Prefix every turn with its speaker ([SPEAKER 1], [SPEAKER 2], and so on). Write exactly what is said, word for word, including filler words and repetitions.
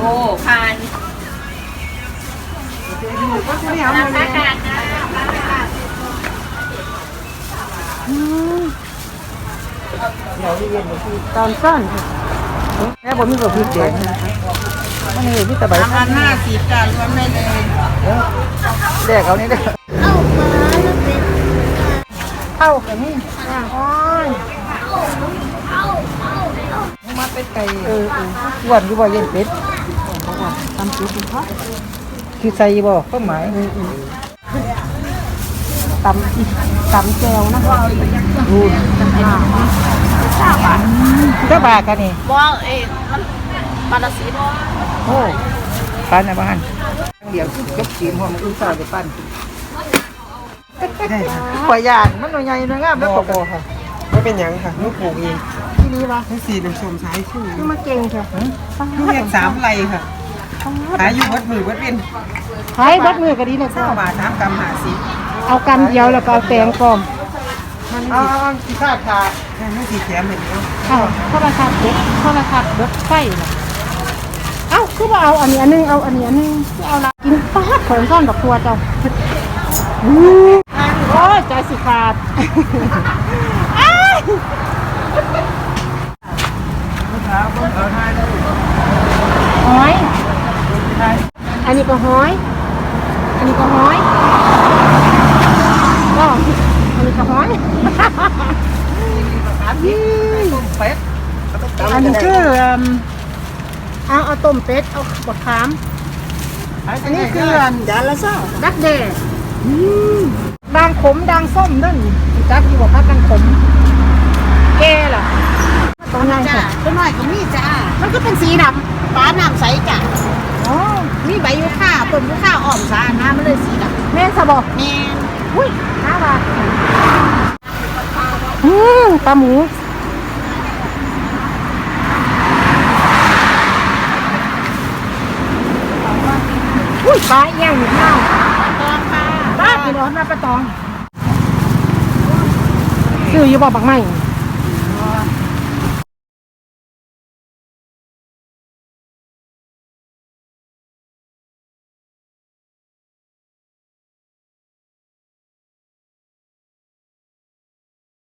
[SPEAKER 1] อ้ผ่านราคากลางนะ
[SPEAKER 2] ตอนสั้นแม่ผมมีกับพี่เด็กอันนี้พี่ตะไบ
[SPEAKER 1] สามพันห้าสิบจ้ารวมได้เลย
[SPEAKER 2] แดกเอานี่ได้เข้ากันนี่โอ้ยมาเป็ดไก่เออวันอยู่บ่เย็นเป็ดทำจุดเพาะคือใส่บ่ข้าวหมายตำตำแจวนะดูเจ้าบาทเจ้าบาทกันนี่
[SPEAKER 1] บ่เอ๊ะมันปลาสีบ่
[SPEAKER 2] โอ้ปั้นนะบ้านเดี๋ยวจบจีนหัวมันอุ้งสาวจะปั้นปล่อยยางมันหน่อยใหญ่หน่อยงามแล้วปกค่ะไม่เป็นยังค่ะลูกปลูกเองที่นี่วะที่สี่น้ำส้มสายชื่อนี่มาเก่งค่ะลูกเห็ดสามไรค่ะขายอยู่วัดมือวัดเป็นขายวัดมือก็ดีเลยค่ะบาทสามกำหาสิเอากำเดียวแล้วก็เอาแตงกลมเอาที่ข้าขาไม่สีแถมเหมือนเดิมเอาข้าวราคาเด็กข้าวราคาเด็กไฟนะเอ้าคือว่าเอาอันนี้อันนึงเอาอันนี้อันนึงเอาละกินป้าขนซ่อนกับตัวเจ้าโอ้ยใจสิขาดหอยอันนี้ก็หอยอันนี้ก็หอยก็อันนี้ก็หอยอันนี้คือเอาเอาต้มเป็ดเอาบดขามอันนี้คือจานละซ่าดักแด้ดังขมดังส้มนั่นจักอยู่บอกว่าดังขมแก่ล่ะตรงไหนจ้ะตัวน้อยก็มีจ้ามันก็เป็นสีดำฟ้าน้ำใสจ้ะอ๋อมีใบยูคาต้นยูคาอ่อนสาน้ำมันเลยสีดำแม่สะบอกแม่อุ้ยน่ารักอืมปลาหมูอุ้ยปลาเอี้ยงอยู่ข้างปลาตองค่ะปลากี่ดอกนะปลาตองซื้ออยู่บ่อบักไม้